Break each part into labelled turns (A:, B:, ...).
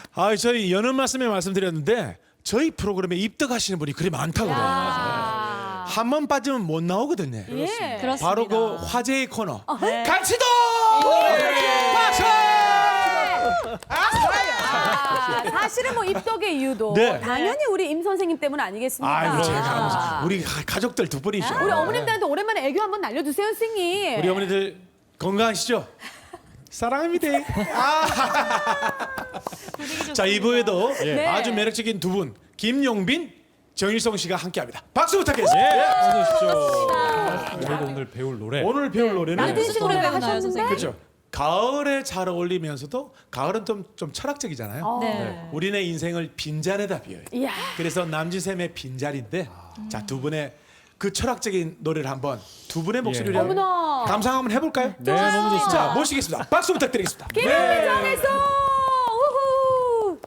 A: 저희 여는 말씀에 말씀드렸는데 저희 프로그램에 입덕하시는 분이 그리 많다고 그래요. 한 번 빠지면 못 나오거든요.
B: 예.
A: 바로 그 화제의 코너.
B: 네.
A: 갈치도! 박수!
B: 사실은 뭐 입덕의 이유도
A: 네.
B: 당연히 우리 임 선생님 때문 아니겠습니까?
A: 아이고 제가 우리 가족들 두 분이죠.
B: 우리 어머님들한테 오랜만에 애교 한번 날려주세요, 선생님.
A: 우리 어머니들 건강하시죠? 사랑합니다. 자, 2부에도
B: 네.
A: 아주 매력적인 두 분, 김용빈, 정일성 씨가 함께합니다. 박수 부탁드리겠습니다.
C: 어서 오십시오. 저희가 오늘 배울 노래.
A: 오늘 배울 노래는
B: 만드신 노래 하셨는데.
A: 그렇죠. 가을에 잘 어울리면서도 가을은 좀 철학적이잖아요.
B: 네.
A: 우리네 인생을 빈잔에다 비워요.
B: 이야.
A: 그래서 남진샘의 빈잔인데 자, 두 분의 그 철학적인 노래를 한번 두 분의 목소리로
B: 어머나.
A: 감상 한번 해볼까요?
C: 네, 너무 좋습니다.
A: 자, 모시겠습니다. 박수 부탁드리겠습니다.
B: 김용빈 전에서 우후.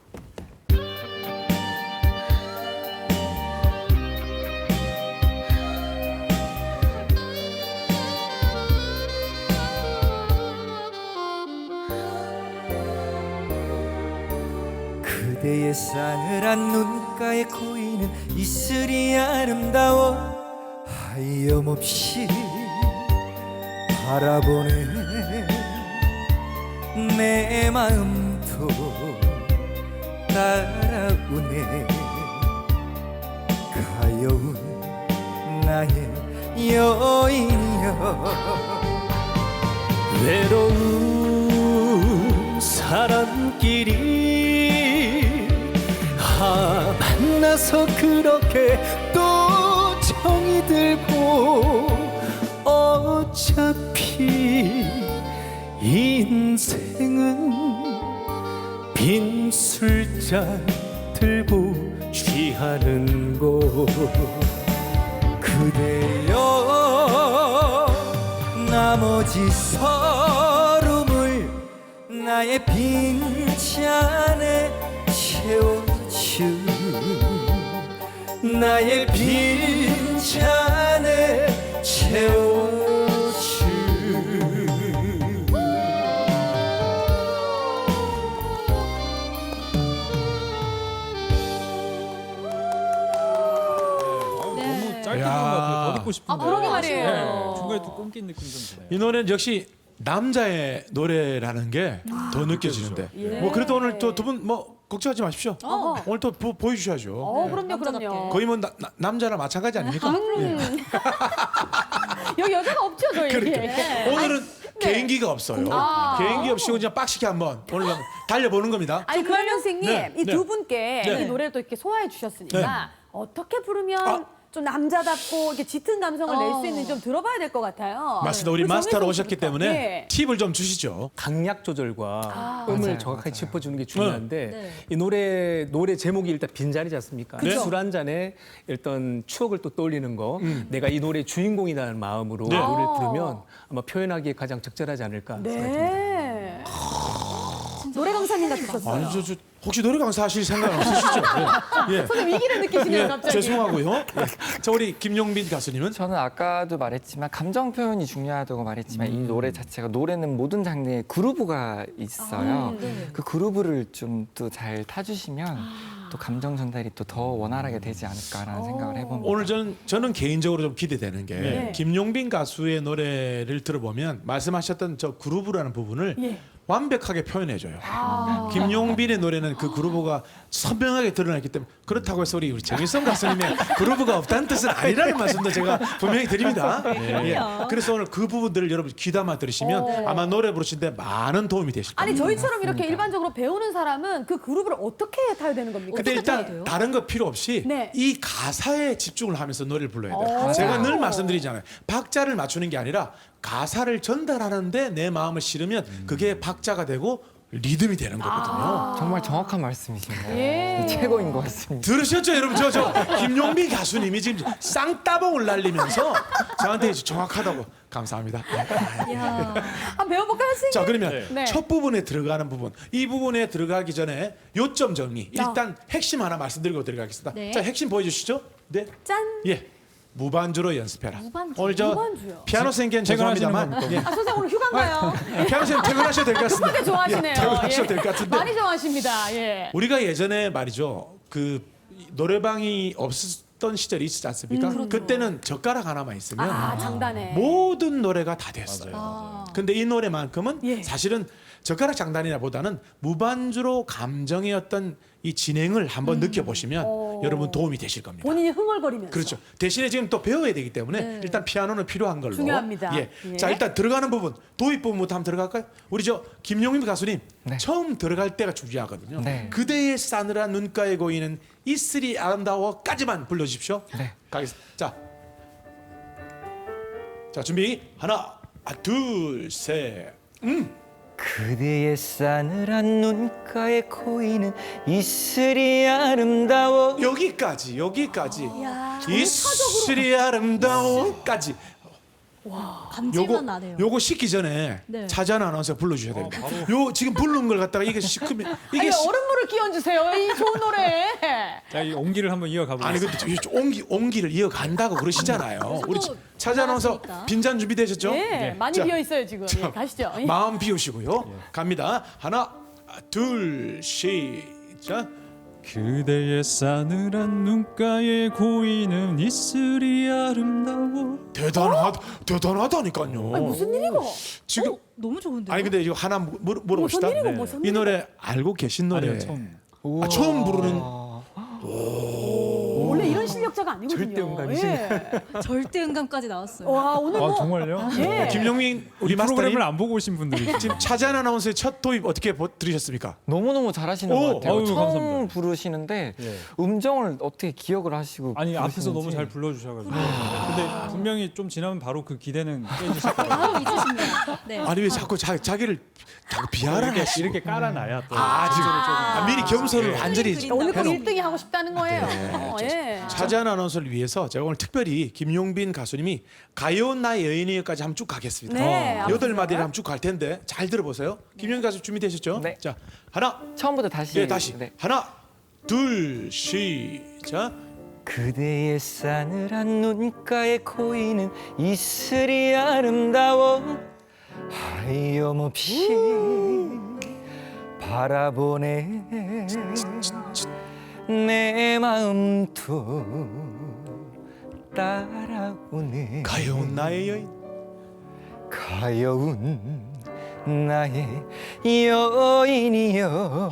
D: 그대의 싸늘한 눈가에 고이는 이슬이 아름다워 하염없이 바라보는 내 마음도 따라오네. 가여운 나의 여인이여, 외로운 사람끼리 만나서 그렇게 또 정이 들고, 어차피 인생은 빈 술잔 들고 취하는 곳. 그대여, 나머지 서름을 나의 빈잔에 채워주, 나의 빈잔에 채워주.
C: 너무 짧게
A: 야.
C: 부른 것 같아요. 더 듣고 싶은데.
B: 그러게 말이에요.
C: 네, 중간에 또 끊긴 느낌 좀 드네요.
A: 이 노래는 역시 남자의 노래라는 게 더 느껴지는데. 뭐 그래도 오늘 또 두 분 뭐 걱정하지 마십시오. 오늘 또 보여주셔야죠.
B: 그럼요, 그럼요.
A: 거의 뭐 남자랑 마찬가지 아닙니까? 예.
B: 여기 여자가 없죠, 저희.
A: 그러니까 오늘은 개인기가 없어요. 개인기 없이 그냥 빡시게 한번 오늘 한번 달려보는 겁니다.
B: 아니 그러면 선생님
A: 네,
B: 이
A: 네.
B: 두 분께
A: 네.
B: 이 노래를 또 이렇게 소화해 주셨으니까
A: 네.
B: 어떻게 부르면 좀 남자답고 이렇게 짙은 감성을 낼 수 있는지 좀 들어봐야 될 것 같아요.
A: 맞습니다. 우리
B: 우리
A: 마스터로
B: 정혜성
A: 오셨기
B: 씨부터.
A: 때문에
B: 예.
A: 팁을 좀 주시죠.
E: 강약 조절과 음을 정확하게 짚어주는 게 중요한데
B: 네.
E: 이 노래 제목이 일단 빈잔이지 않습니까?
A: 그쵸.
E: 술 한 잔에 일단 추억을 또 떠올리는 거, 내가 이 노래 주인공이라는 마음으로
A: 네.
E: 노래를 부르면 아마 표현하기에 가장 적절하지 않을까 생각이 듭니다.
B: 네. 노래 강사님 같으셨어요.
A: 아니 저 혹시 노래 강사 하실 생각 없으시죠? 예. 예.
B: 선생님 위기를 느끼시네요,
A: 예,
B: 갑자기.
A: 죄송하고요. 예. 자, 우리 김용빈 가수님은
F: 저는 아까도 말했지만 감정 표현이 중요하다고 말했지만 이 노래 자체가, 노래는 모든 장르에 그루브가 있어요. 그 그루브를 좀 또 잘 타주시면 또 감정 전달이 또 더 원활하게 되지 않을까라는 생각을 해봅니다.
A: 오늘 저는 개인적으로 좀 기대되는 게
B: 네.
A: 김용빈 가수의 노래를 들어보면 말씀하셨던 저 그루브라는 부분을
B: 예.
A: 완벽하게 표현해줘요. 김용빈의 노래는 그 그루브가 선명하게 드러났기 때문에, 그렇다고 해서 우리 정일성 가수님의 그루브가 없다는 뜻은 아니라는 말씀도 제가 분명히 드립니다. 예. 그래서 오늘 그 부분들을 여러분 귀담아 들으시면 아마 노래 부르시는데 많은 도움이 되실 겁니다.
B: 아니 저희처럼 이렇게 일반적으로 배우는 사람은 그 그룹을 어떻게 타야 되는 겁니까?
A: 근데
B: 어떻게 타야
A: 일단
B: 돼요?
A: 다른 거 필요 없이
B: 네.
A: 이 가사에 집중을 하면서 노래를 불러야 돼요. 제가 늘 말씀드리잖아요. 박자를 맞추는 게 아니라 가사를 전달하는데 내 마음을 실으면 그게 박자가 되고 리듬이 되는 거거든요.
F: 정말 정확한 말씀이시네요.
B: 예.
F: 최고인 것 같습니다.
A: 들으셨죠, 여러분? 저 김용빈 가수님이 지금 쌍따봉을 날리면서 저한테 이제 정확하다고. 감사합니다.
B: 한번 배워볼까요, 선생님?
A: 자, 그러면
B: 네.
A: 첫 부분에 들어가는 부분, 이 부분에 들어가기 전에 요점 정리. 일단 핵심 하나 말씀드리고 들어가겠습니다.
B: 네.
A: 자, 핵심 보여주시죠. 네.
B: 짠.
A: 예. 무반주로 연습해라.
G: 무반주?
A: 오늘 저
B: 무반주요?
A: 피아노 선생님
C: 퇴근하시는
A: 죄송합니다만
C: 건
A: 예.
B: 아, 선생님 오늘 휴가인가요?
A: 피아노 선생님 퇴근하셔도 될 것 같습니다.
B: 급하게 좋아하시네요.
A: 예, 퇴근하셔도 될 것 같은데
B: 많이 좋아하십니다. 예.
A: 우리가 예전에 말이죠. 그 노래방이 없었던 시절이 있지 않습니까? 그때는 젓가락 하나만 있으면
B: 아, 장단에.
A: 모든 노래가 다 됐어요.
G: 아.
A: 근데 이 노래만큼은
B: 예.
A: 사실은 젓가락 장단이라보다는 무반주로 감정의 어떤 이 진행을 한번 느껴보시면 여러분 도움이 되실 겁니다.
B: 본인이 흥얼거리면서.
A: 그렇죠. 대신에 지금 또 배워야 되기 때문에 일단 피아노는 필요한 걸로.
B: 중요합니다.
A: 예.
B: 예.
A: 자 일단 들어가는 부분 도입 부분부터 한번 들어갈까요? 우리 저 김용임 가수님
F: 네.
A: 처음 들어갈 때가 중요하거든요.
F: 네.
A: 그대의 싸늘한 눈가에 고이는 이슬이 아름다워까지만 불러주십시오.
F: 네.
A: 가겠습니다. 자 준비 하나 둘 셋.
D: 그대의 싸늘한 눈가에 고이는 이슬이 아름다워.
A: 여기까지 이슬이 아름다워까지.
G: 감질만 나네요.
A: 요거 씻기 전에
G: 네.
A: 차전 아나운서 불러주셔야 됩니다. 요 지금 부르는 걸 갖다가 이게 시크면 이게
B: 아니, 얼음물을 끼얹으세요. 이 좋은 노래.
C: 자, 이 온기를 한번 이어가
A: 아니
C: 보겠습니다.
A: 근데 온기를 이어간다고 그러시잖아요. 우리 차전 아나운서
G: 잘하시니까.
A: 빈잔 준비되셨죠?
B: 예, 많이
A: 자,
B: 비어 있어요 지금. 예, 가시죠. 예.
A: 마음 비우시고요. 갑니다. 하나 둘 시작.
C: 그대의 싸늘한 눈가에 고이는 이슬이 아름다워.
A: 대단하다니까요.
B: 무슨 일이고?
A: 지금
G: 너무 좋은데요?
A: 아니 근데 이거 하나 물어봅시다.
B: 무슨 일이고
C: 네.
B: 무슨
A: 이
B: 일이고?
A: 노래 알고 계신 노래
C: 아니요, 처음.
A: 아, 처음 부르는
B: 원래 이런 실력자가 아니거든요.
E: 절대 음감이시네.
B: 예.
G: 절대 음감까지 나왔어요.
B: 와 오늘
C: 아,
B: 뭐
C: 정말요?
B: 예.
A: 김용민 우리
C: 이
A: 마스터님
C: 프로그램을 안 보고 오신 분들이
A: 지금 차전 아나운서의 첫 도입 어떻게 들으셨습니까?
F: 너무너무 잘하시는
A: 오,
F: 것 같아요.
C: 아유,
F: 처음
C: 감사합니다.
F: 부르시는데
C: 예.
F: 음정을 어떻게 기억을 하시고
C: 아니 앞에서
F: 부르시는지.
C: 너무 잘 불러주셔가지고 근데 분명히 좀 지나면 바로 그 기대는 깨지실 거예요.
G: 바로 잊으십니다. 네.
A: 아니 왜 자꾸 자기를 자꾸 비하를 하시고
C: 이렇게 깔아놔야 또
A: 지금 미리 겸손을
C: 예.
A: 완전히
G: 그린다.
B: 오늘 꼭
A: 해놓은
B: 1등이 하고 싶다는 거예요. 예.
A: 차지한 아나운서를 위해서 제가 오늘 특별히 김용빈 가수님이 가요 나의 여인이여까지 한번 쭉 가겠습니다.
B: 네,
A: 여덟 마디를
B: 앞서서.
A: 한번 쭉 갈 텐데 잘 들어보세요. 김용빈 가수 준비되셨죠?
F: 네.
A: 자 하나
F: 처음부터 다시.
A: 예 다시
F: 네.
A: 하나 둘 시작.
D: 그대의 싸늘한 눈가에 고이는 이슬이 아름다워. 하염없이 바라보네 내 마음도 따라오네.
A: 가여운 나의 여인.
D: 가여운 나의 여인이여.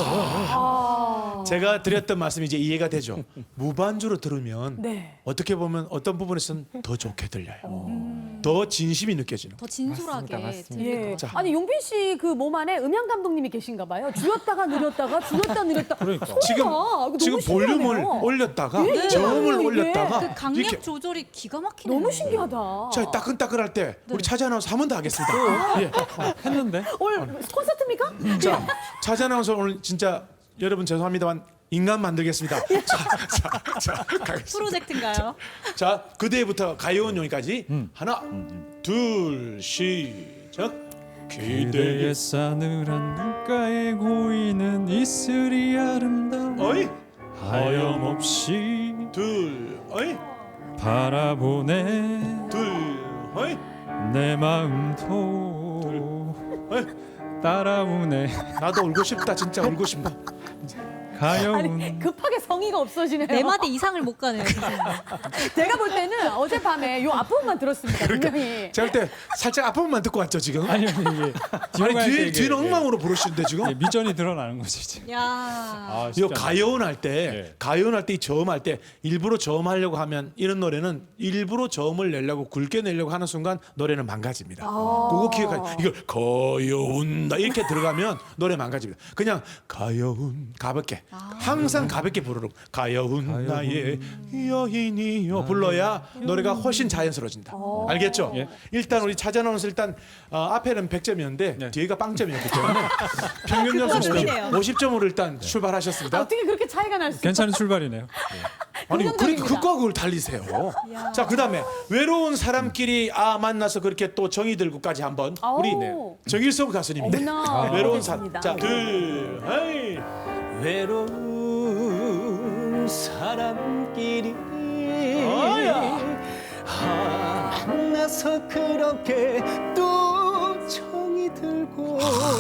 A: 제가 드렸던 말씀이 이제 이해가 되죠. 무반주로 들으면
B: 네.
A: 어떻게 보면 어떤 부분에서는 더 좋게 들려요. 더 진심이 느껴지는.
G: 더 진솔하게
F: 맞습니다.
G: 들릴 것
B: 예.
G: 같아요.
A: 자.
B: 아니 용빈 씨 그 몸 안에 음향 감독님이 계신가 봐요. 줄였다가 늘렸다가 줄였다 늘렸다.
C: 그러니까.
A: 지금
B: 너무
A: 지금 볼륨을
B: 신기하네요.
A: 올렸다가
B: 예,
A: 저음을
B: 이게.
A: 올렸다가
G: 그 강약
A: 이렇게
G: 조절이 기가 막히네요.
B: 너무 신기하다.
A: 자 따끈따끈할 때 우리 차지 아나운서 한 번 더 하겠습니다. 예.
C: 했는데
B: 오늘 콘서트입니까?
A: 자 차지 아나운서 오늘 진짜 여러분 죄송합니다만 인간 만들겠습니다. 자 가겠습니다.
G: 프로젝트인가요?
A: 자 그대부터 가요운 용이까지 하나 둘 시작.
C: 그대의
A: 기대의
C: 싸늘한 눈가에 고이는 이슬이 아름다워.
A: 어이
C: 하염없이
A: 둘 어이
C: 바라보네
A: 둘 어이
C: 내 마음도
A: 어이
C: 따라오네
A: 나도 울고 싶다 진짜 울고 싶다.
C: 가여운
B: 아니 급하게 성의가 없어지네요.
G: 네 마디 이상을 못 가네요. 진짜.
B: 제가 볼 때는 어젯밤에 요 앞부분만 들었습니다. 분명히.
A: 제가 볼 때 살짝 앞부분만 듣고 왔죠 지금.
C: 아니 이게
A: 아니 뒤는 엉망으로 부르시는데 지금.
C: 미전이 드러나는 거지 지금.
G: 야.
C: 아,
A: 이거
C: 쉽지 않아요.
A: 가요운 할 때,
C: 예.
A: 가요운 할 때 이 저음할 때 일부러 저음하려고 하면 이런 노래는 일부러 저음을 내려고 굵게 내려고 하는 순간 노래는 망가집니다. 그거 기억하. 이걸 가요운 이렇게 들어가면 노래 망가집니다. 그냥 가요운 가볍게 항상 가볍게 부르는 가요운 나의 여인이여 불러야 노래가 훨씬 자연스러워진다. 알겠죠?
C: 예.
A: 일단 우리 차전아나운서 일단 앞에는 100점이었는데
C: 네.
A: 뒤에가 빵점이었기 때문에 평균 점수
G: 그러네요.
A: 50점으로 일단 출발하셨습니다.
B: 어떻게 그렇게 차이가 날 수?
C: 괜찮은 출발이네요.
A: 아니 그러니까
B: 긍정적입니다.
A: 극과 극을 달리세요. 자 그다음에 외로운 사람끼리 만나서 그렇게 또 정이 들고까지 한번 우리
B: 아우.
A: 정일성 가수님인데
B: 어머나,
A: 외로운 사람.
B: 알겠습니다.
A: 자 둘, 헤이.
D: 외로운 사람끼리
A: 어야.
E: 만나서 그렇게 또 정이 들고.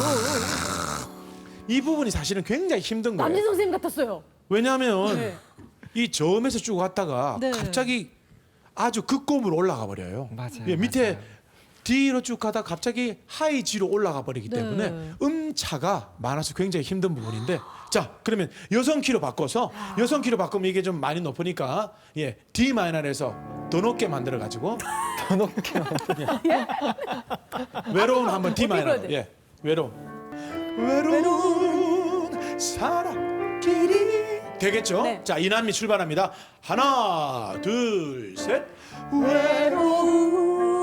A: 이 부분이 사실은 굉장히 힘든 거예요.
B: 남진 선생님 같았어요.
A: 왜냐하면
B: 네.
A: 이 저음에서 쭉 갔다가
G: 네.
A: 갑자기 아주 극고음으로 올라가 버려요.
F: 맞아요,
A: 예, 밑에
F: 맞아요.
A: D로 쭉 가다 갑자기 하이 G로 올라가 버리기
G: 네.
A: 때문에 음차가 많아서 굉장히 힘든 부분인데, 자 그러면 여성 키로 바꿔서 여성 키로 바꾸면 이게 좀 많이 높으니까 예 D 마이너에서 더 높게 만들어 가지고
F: 더 높게
A: 외로운 한번 D 마이너.
B: 불러야 돼?
A: 예 외로운 사람끼리 되겠죠?
B: 네.
A: 자 이남미 출발합니다. 하나 둘 셋.
B: 외로운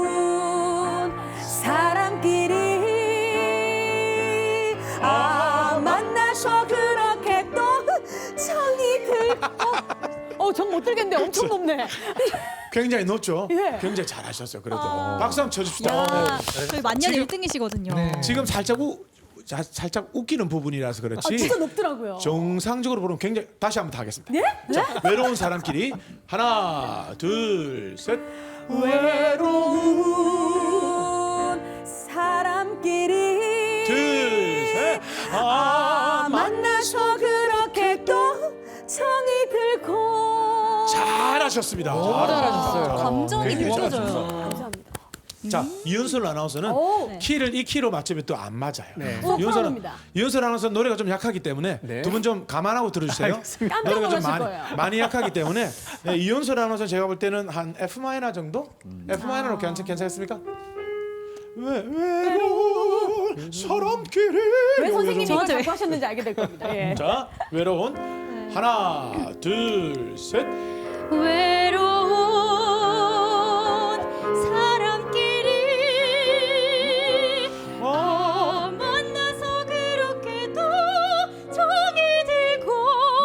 B: 사람끼리 만나서 그렇게 또 정이 들고 정 못 들겠는데 엄청 높네.
A: 굉장히 높죠?
B: 예.
A: 굉장히 잘하셨어요. 그래도 박수 한번 쳐줍시다.
G: 야, 저희 만년
A: 지금-
G: 1등이시거든요.
F: 네.
A: 지금 살짝 웃기는 부분이라서 그렇지.
B: 진짜 높더라고요.
A: 정상적으로 보면 굉장히 다시 한번 더 하겠습니다.
B: 네?
A: 자, 외로운 사람끼리 하나 둘 셋.
B: 외로운 사람끼리
A: 둘 셋.
B: 만나서 그렇게 또 정이 들고
A: 잘하셨습니다.
F: 잘하셨어요.
G: 감정이
A: 굉장히
G: 느껴져요.
B: 감사합니다.
A: 자 이윤솔 아나운서는
B: 오.
A: 키를 이 키로 맞추면 또 안 맞아요.
B: 프로입니다.
A: 이윤솔 아나운서 노래가 좀 약하기 때문에
E: 네.
A: 두 분 좀 감안하고 들어주세요.
B: 깜짝
A: 노래가 좀
B: 놀라실 거예요.
A: 많이 약하기 때문에 네, 이윤솔 아나운서 제가 볼 때는 한 F 마이너 정도? F 마이너로 괜찮겠습니까? 외로운 사람끼리.
B: 왜 선생님이 이걸
G: 저한테 왜-
B: 자꾸 하셨는지 알게 될 겁니다. 예.
A: 자 외로운 하나 둘 셋.
G: 외로운 사람끼리 만나서 그렇게 또 정이 들고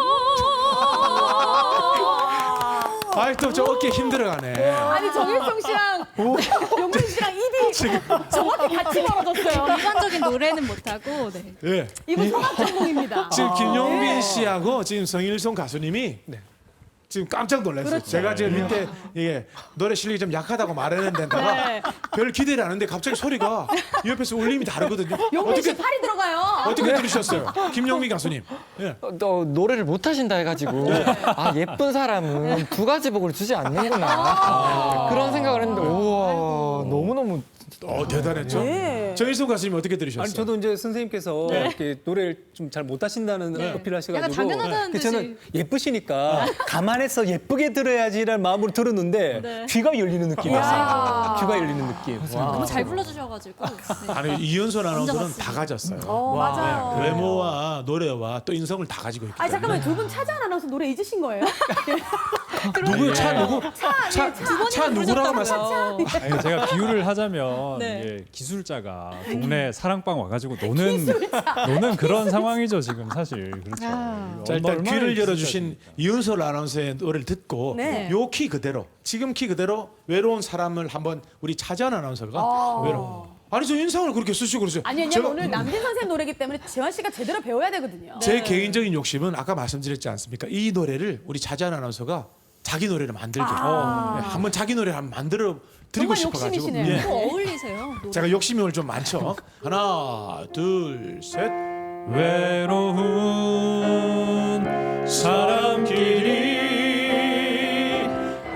A: 아이또 저 어깨 힘들어가네.
B: 아니 정일성 씨랑 용민 씨랑 입이 정확히 같이 벌어졌어요.
G: 일반적인 노래는 못하고 네.
A: 예.
B: 이분 성악 전공입니다.
A: 지금 김용빈
B: 네.
A: 씨하고 지금 성일송 가수님이 지금 깜짝 놀랐어요.
B: 그렇죠.
A: 제가 지금 밑에 이게 노래 실력이 좀 약하다고 말했는데다가
B: 네.
A: 별 기대를 안 했는데 갑자기 소리가 이 옆에서 울림이 다르거든요.
B: 용민 씨
A: 어떻게
B: 팔이 들어가요.
A: 어떻게 들으셨어요, 김용빈 가수님? 예.
F: 너 노래를 못 하신다 해가지고 아 예쁜 사람은 두 가지 복을 주지 않는구나 그런 생각을 했는데 우와 너무너무
A: 대단했죠.
B: 네.
A: 정일송 가수님 어떻게 들으셨어요?
E: 아니 저도 이제 선생님께서 이렇게 노래를 좀 잘 못하신다는 어필을 하셔가지고
G: 약간 당연하다는
E: 그래서 저는
G: 듯이.
E: 예쁘시니까 감안해서 예쁘게 들어야지라는 마음으로 들었는데
G: 네.
E: 귀가 열리는 느낌이었어요. 귀가 열리는 느낌.
G: 너무 잘 불러주셔가지고 네.
A: 아니 이윤솔 아나운서는
G: 맞습니다.
A: 다 가졌어요.
B: 맞아요.
A: 외모와 노래와 또 인성을 다 가지고 있기
B: 아니
A: 때문에.
B: 잠깐만 두 분 차지 아나운서 노래 잊으신 거예요?
A: 누구 차 누구? 차 누구라고 말씀?
C: 아니, 제가 비유를 하자면
G: 네.
C: 이게 기술자가 동네 사랑방 와가지고 노는 그런 상황이죠 지금 사실. 그렇죠.
G: 아.
A: 자 일단
C: 얼마나
A: 귀를
C: 기술자입니까?
A: 열어주신 이윤솔 아나운서의 노래를 듣고
B: 네.
A: 요 키 그대로 지금 키 그대로 외로운 사람을 한번 우리 차지한 아나운서가 외로운. 아니 저 인상을 그렇게 쓰시고 그러세요.
B: 아니 왜냐면
A: 제가
B: 오늘 남진 선생 노래기 때문에 재환 씨가 제대로 배워야 되거든요.
A: 제 개인적인 욕심은 아까 말씀드렸지 않습니까? 이 노래를 우리 차지한 아나운서가 자기 노래를 만들게 한번 자기 노래를 한번 만들어 드리고
B: 정말
A: 싶어가지고
B: 욕심이시네요.
G: 또 어울리세요. 노래.
A: 제가 욕심이 오늘 좀 많죠. 하나 둘 셋.
C: 외로운 사람끼리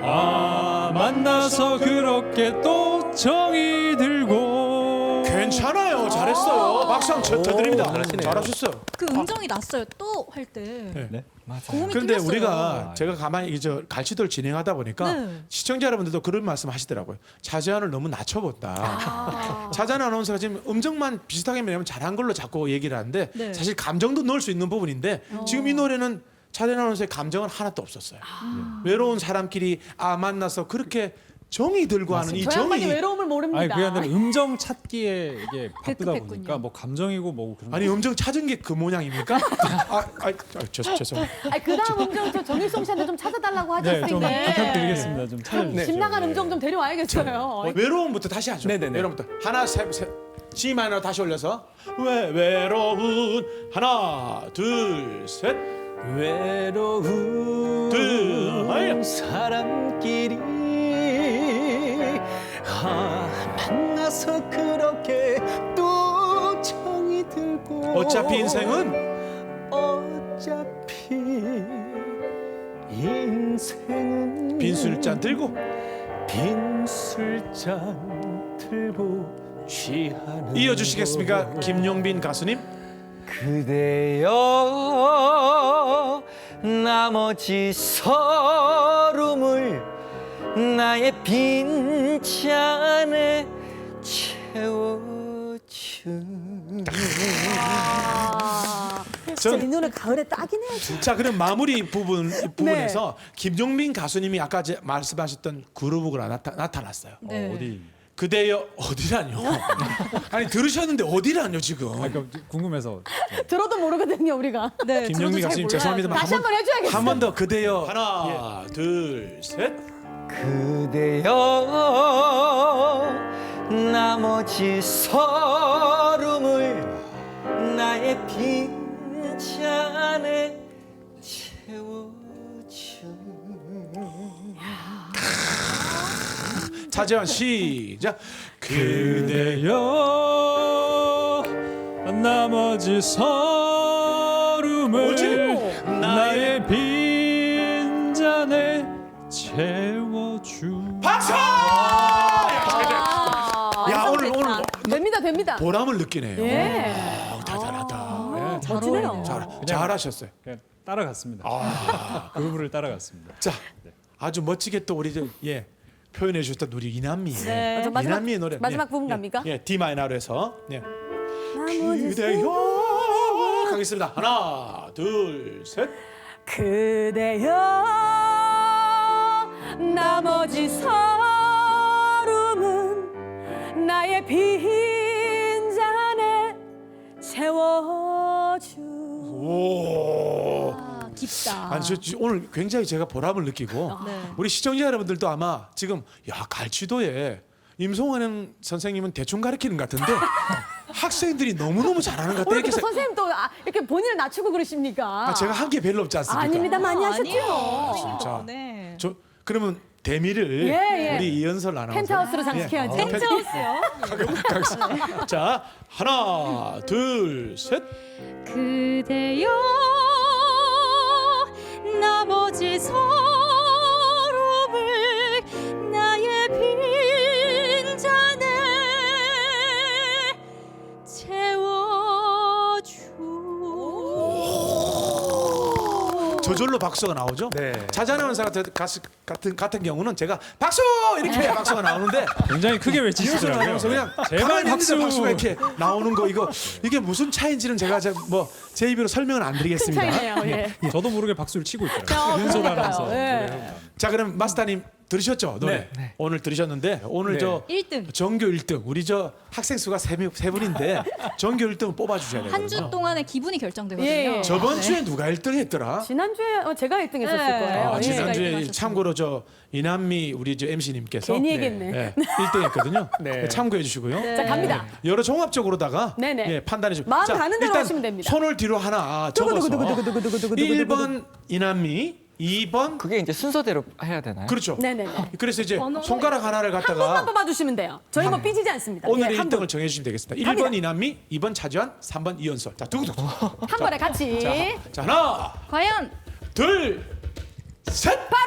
C: 만나서 그렇게 또 정이 들고
A: 괜찮아요. 잘했어요. 박수 한번 쳐드립니다.
E: 잘하시네요.
A: 잘하셨어요.
G: 그 음정이 났어요. 또 할 때.
C: 네.
G: 고음이
A: 그런데
G: 뚫렸어요.
A: 우리가 제가 가만히 이제 갈치도를 진행하다 보니까
G: 네.
A: 시청자 여러분들도 그런 말씀 하시더라고요. 차지한을 너무 낮춰본다. 차지한 아나운서가 지금 음정만 비슷하게 매면 잘한 걸로 자꾸 얘기를 하는데
G: 네.
A: 사실 감정도 넣을 수 있는 부분인데 지금 이 노래는 차지한 아나운서의 감정은 하나도 없었어요. 외로운 사람끼리 만나서 그렇게 정이 들고 하는 이
B: 저 양반이
A: 정이
B: 외로움을 모릅니다.
C: 아니 그게 아니라 음정 찾기에 이게 바쁘다
G: 급했군요.
C: 보니까 뭐 감정이고 뭐 그런
A: 아니 음정 찾은 게 그 모양입니까? 죄송.
B: 아니 그다음 음정 저 정일성 씨한테 좀 찾아달라고 하지
C: 네, 좀
B: 않습니까?
C: 부탁드리겠습니다. 좀 찾아주세요.
B: 집 나간
C: 네.
B: 음정 좀 데려와야겠어요.
A: 외로움부터 다시 하죠.
E: 네네네.
A: 외로움부터 하나 셋 G 마이너 다시 올려서 외로운 하나 둘 셋.
E: 외로운
A: 둘,
E: 사람끼리 만나서 그렇게 또 정이 들고
A: 어차피 인생은
E: 어차피 인생은
A: 빈 술잔 들고
E: 빈 술잔 들고 취하는
A: 이어주시겠습니까? 김용빈 가수님.
D: 그대여 나머지 서름을 나의 빈 잔에 채워준.
B: 진짜 이 노래 가을에 딱이네요. 진짜.
A: 자, 그럼 마무리 부분에서 김용민 가수님이 아까 말씀하셨던 그루브가 나타났어요.
C: 어디?
A: 그대여 어디라뇨? 아니 들으셨는데 어디라뇨 지금?
C: 그러니까 궁금해서
B: 들어도 모르거든요 우리가. 네.
A: 김용민 가수님 죄송합니다만
B: 다시 한번 해줘야겠어요.
A: 한 번 더 그대여 하나 둘 셋.
D: 그대여 나머지 서름을 나의 빈 잔에 채워준.
A: 차재환 시작.
C: 그대여 나머지 서름을
A: 뭐지?
C: 나의 빈 잔에 채워주.
A: 박수! 야 오늘
B: 됩니다.
A: 보람을 느끼네요.
B: 예.
A: 대단하다.
B: 멋지네요.
A: 잘하셨어요.
C: 그냥 따라갔습니다. 그루브를 따라갔습니다.
A: 자, 아주 멋지게 또 우리 표현해 주셨던 우리 이남미.
B: 네.
A: 이남미의 노래.
B: 마지막 부분 갑니까?
A: 예, D 마이너로 해서. 네.
B: 나머지
A: 그대여 가겠습니다. 하나, 둘, 셋.
B: 그대여 나머지 서름은 나의 빈 잔에 채워주.
A: 오.
G: 깊다.
A: 아니 오늘 굉장히 제가 보람을 느끼고 우리 시청자 여러분들도 아마 지금 야 갈치도에 임송환 선생님은 대충 가르치는 것 같은데 학생들이 너무너무 잘하는 것 같다
B: 오늘
A: 이렇게
B: 또 선생님 또 이렇게 본인을 낮추고 그러십니까?
A: 제가 한 게 별로 없지 않습니까?
B: 아닙니다. 많이 하셨죠.
A: 진짜.
G: 네.
A: 그러면 대미를
B: 예.
A: 우리 이연설 아나운서
B: 펜트하우스로 장식해야지.
G: 펜트하우스요.
A: 가겠습니다. 자 하나 둘 셋.
G: 그대여 나머지 서름을 나의 빈 잔에 채워주.
A: 저절로 박수가 나오죠.
D: 네.
A: 자자 아나운서 같은 경우는 제가 박수 이렇게 해야 박수가 나오는데
C: 굉장히 크게
A: 이연설
C: 외치시더라고요.
A: 아나운서 그냥
C: 제발
A: 가만히 있는데
C: 박수.
A: 박수가 이렇게 나오는 거 이게 무슨 차이인지는 제가 제 입으로 설명은 안 드리겠습니다.
B: 큰 차이네요. 예.
C: 저도 모르게 박수를 치고 있더라고요. 이은솔 아나운서
B: 예.
C: 노래하고.
A: 자 그럼 마스터님 들으셨죠 노래?
D: 네.
A: 오늘 들으셨는데 오늘
D: 네.
A: 저
G: 1등.
A: 전교 1등 우리 저 학생 수가 세 분인데 전교 1등을 뽑아주셔야 되거든요.
G: 한 주 동안의 기분이 결정되거든요.
B: 예.
A: 저번 주에 누가 1등 했더라?
B: 지난주에 제가 1등 했었을
G: 네.
B: 거예요.
A: 아,
B: 예.
A: 지난주에
G: 하셨습니다.
A: 참고로 저 이남미 우리 저 MC님께서
B: 괜히 얘기했네.
A: 1등 했거든요.
E: 네.
A: 참고해 주시고요.
B: 자 갑니다.
A: 여러 종합적으로다가
B: 네네.
A: 판단해 주시고
B: 마음 가는 대로
A: 일단
B: 하시면 됩니다.
A: 손을 뒤로 하나 접어서
B: 두구두구두구두구두구두구두구두구.
A: 1번 이남미 2번
F: 그게 이제 순서대로 해야 되나요?
A: 그렇죠.
B: 네네네.
A: 그래서 이제
G: 번호는
A: 손가락 하나를
B: 한 번만
A: 갖다가
B: 뽑아주시면 돼요. 저희 뭐 삐지지 않습니다.
A: 오늘의
B: 예, 한
A: 1등을
B: 분.
A: 정해주시면 되겠습니다.
B: 갑니다.
A: 1번 이남미, 2번 차지환, 3번 이연설. 자, 두구두구.
B: 한 번에 같이.
A: 자, 하나,
G: 과연
A: 둘, 셋.
B: 바로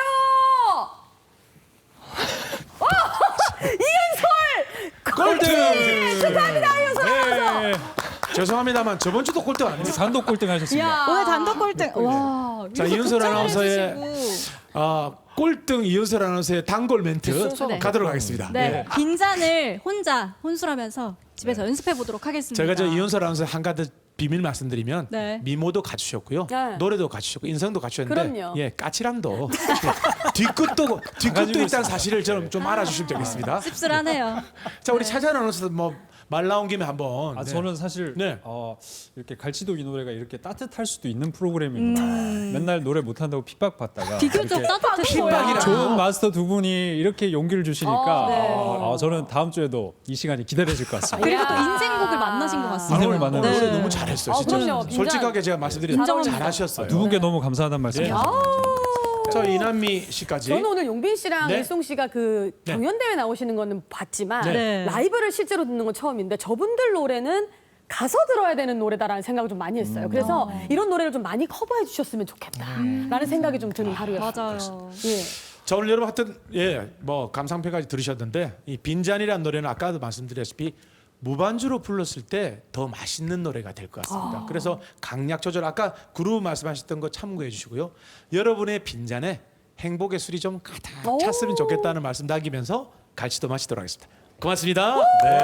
B: 이은솔
A: 꼴등.
B: 축하합니다 이은솔.
C: 네.
A: 죄송합니다만 저번 주도 꼴등 아닙니다.
C: 단독 꼴등 하셨습니다.
B: 야.
G: 오늘 단독 꼴등. 와.
A: 자,
G: 이렇게
A: 이은솔
G: 극찬을
A: 아나운서의
G: 해주시고.
A: 꼴등 이연설 아나운서의 단골 멘트
G: 네.
A: 가도록 하겠습니다.
G: 네. 빈잔을 혼자 혼술하면서 집에서 연습해 보도록 하겠습니다.
A: 제가 저 이연설 아나운서 한 가지 비밀 말씀드리면
G: 네.
A: 미모도 갖추셨고요,
B: 네.
A: 노래도 갖추셨고 인성도 갖추셨는데
B: 그럼요.
A: 까칠함도 뒤끝도 있다는 사실을 좀 알아주시면 되겠습니다.
G: 씁쓸하네요.
A: 자 우리 차지환 아나운서 말 나온 김에 한번. 네.
C: 저는 사실
A: 네.
C: 이렇게 갈치도 이 노래가 이렇게 따뜻할 수도 있는 프로그램이구나. 맨날 노래 못한다고 핍박받다가
G: 비교적
C: 이렇게
G: 따뜻했어요.
A: 핍박이라.
C: 좋은 마스터 두 분이 이렇게 용기를 주시니까
B: 네.
C: 저는 다음 주에도 이 시간이 기다려질 것 같습니다.
G: 그리고 또 인생곡을 만나신 것 같습니다.
C: 인생을 만나는
A: 노래
C: 네.
A: 너무 잘했어요. 진짜
B: 그럼요. 빈잔.
A: 솔직하게 제가 말씀드리면
G: 인정합니다.
A: 잘하셨어요.
C: 두 분께 너무 감사하다는 말씀.
A: 예.
C: 드립니다.
A: 저 이남미 씨까지.
B: 저는 오늘 용빈 씨랑
A: 네.
B: 일송 씨가 그
A: 네.
B: 경연대회 나오시는 거는 봤지만
G: 네.
B: 라이브를 실제로 듣는 건 처음인데 저분들 노래는 가서 들어야 되는 노래다라는 생각을 좀 많이 했어요. 그래서 이런 노래를 좀 많이 커버해 주셨으면 좋겠다라는 생각이 좀 드는 하루였어요.
G: 맞아요.
B: 예.
A: 자, 오늘 여러분 하여튼 뭐 감상패까지 들으셨는데 이 빈잔이라는 노래는 아까도 말씀드렸다시피 무반주로 불렀을 때 더 맛있는 노래가 될 것 같습니다. 그래서 강약 조절 아까 그루브 말씀하셨던 거 참고해 주시고요. 여러분의 빈잔에 행복의 술이 좀 가득
B: 오.
A: 찼으면 좋겠다는 말씀 남기면서 갈치도 마치도록 하겠습니다. 고맙습니다. 네.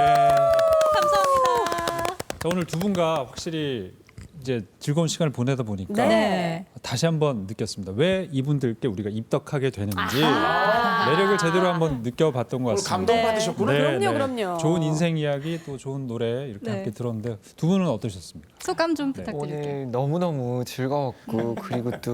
G: 감사합니다.
C: 자, 오늘 두 분과 확실히 이제 즐거운 시간을 보내다 보니까
B: 네.
C: 다시 한번 느꼈습니다. 왜 이분들께 우리가 입덕하게 되는지 매력을 제대로 한번 느껴봤던 것
A: 오늘
C: 같습니다.
A: 감동 받으셨구나.
B: 그럼요.
C: 좋은 인생 이야기 또 좋은 노래 이렇게
G: 네.
C: 함께 들었는데 두 분은 어떠셨습니까?
G: 소감 좀 부탁드릴게요.
F: 오늘 너무너무 즐거웠고 그리고 또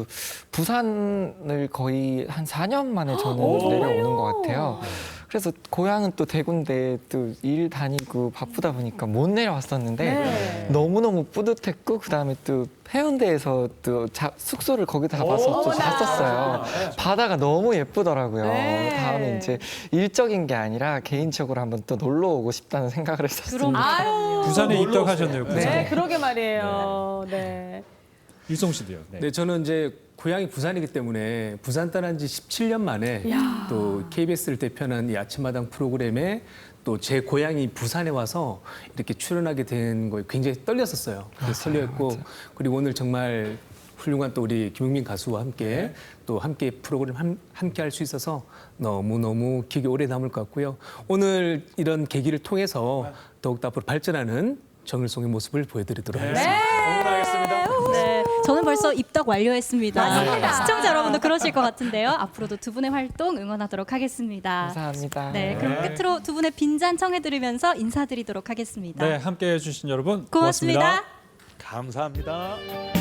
F: 부산을 거의 한 4년 만에 저는 내려오는 것 같아요. 그래서 고향은 또 대구인데 또 일 다니고 바쁘다 보니까 못 내려왔었는데
B: 네.
F: 너무너무 뿌듯했고 그다음에 또 해운대에서 또 숙소를 거기다 잡아서 또
B: 어머나.
F: 잤었어요. 바다가 너무 예쁘더라고요.
B: 네.
F: 다음에 이제 일적인 게 아니라 개인적으로 한번 또 놀러 오고 싶다는 생각을 했었습니다.
B: 아유.
C: 부산에 입덕하셨네요.
B: 네,
C: 부산에.
B: 그러게 말이에요. 네.
C: 일송 씨도요. 네.
E: 네, 저는 이제 고향이 부산이기 때문에 부산 떠난 지 17년 만에
B: 야.
E: 또 KBS를 대표하는 이 아침마당 프로그램에 또 제 고향이 부산에 와서 이렇게 출연하게 된 거에 굉장히 떨렸었어요. 그래서 설레었고 그리고 오늘 정말 훌륭한 또 우리 김용민 가수와 함께 또 함께 프로그램 함께 할 수 있어서 너무너무 기억에 오래 남을 것 같고요. 오늘 이런 계기를 통해서 더욱더 앞으로 발전하는 정일송의 모습을 보여드리도록 하겠습니다.
A: 응원하겠습니다.
G: 네, 저는 벌써 입덕 완료했습니다.
B: 맞습니다.
G: 시청자 여러분도 그러실 것 같은데요. 앞으로도 두 분의 활동 응원하도록 하겠습니다.
F: 감사합니다.
G: 네, 그럼 끝으로 두 분의 빈잔 청해 들으면서 인사드리도록 하겠습니다.
C: 네, 함께 해주신 여러분
G: 고맙습니다.
A: 감사합니다.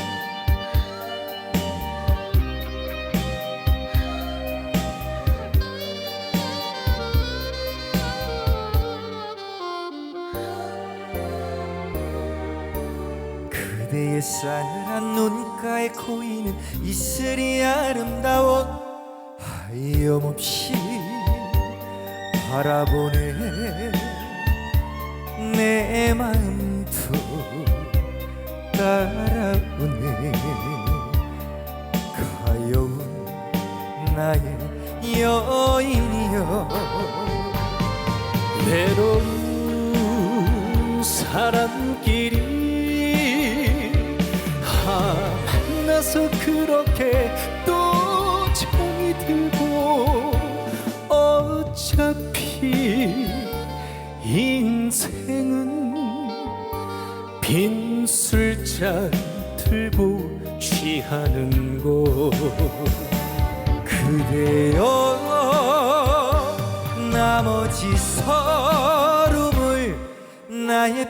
D: 그대의 쌀한 눈가에 고이는 이슬이 아름다워 하염없이 바라보네 내 마음도 따라오네 가여운 나의 여인이여 외로운 사람끼리 만나서 그렇게 또 정이 들고 어차피 인생은 빈 술잔 들고 취하는 것 그대여 나머지 서름을 나의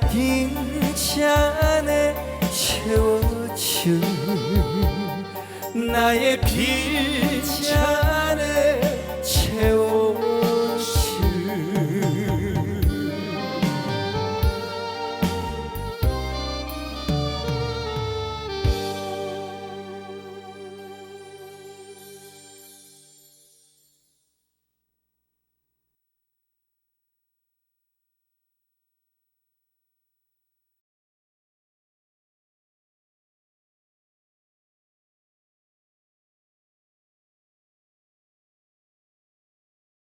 D: 빈잔에 채워줄 나의 빈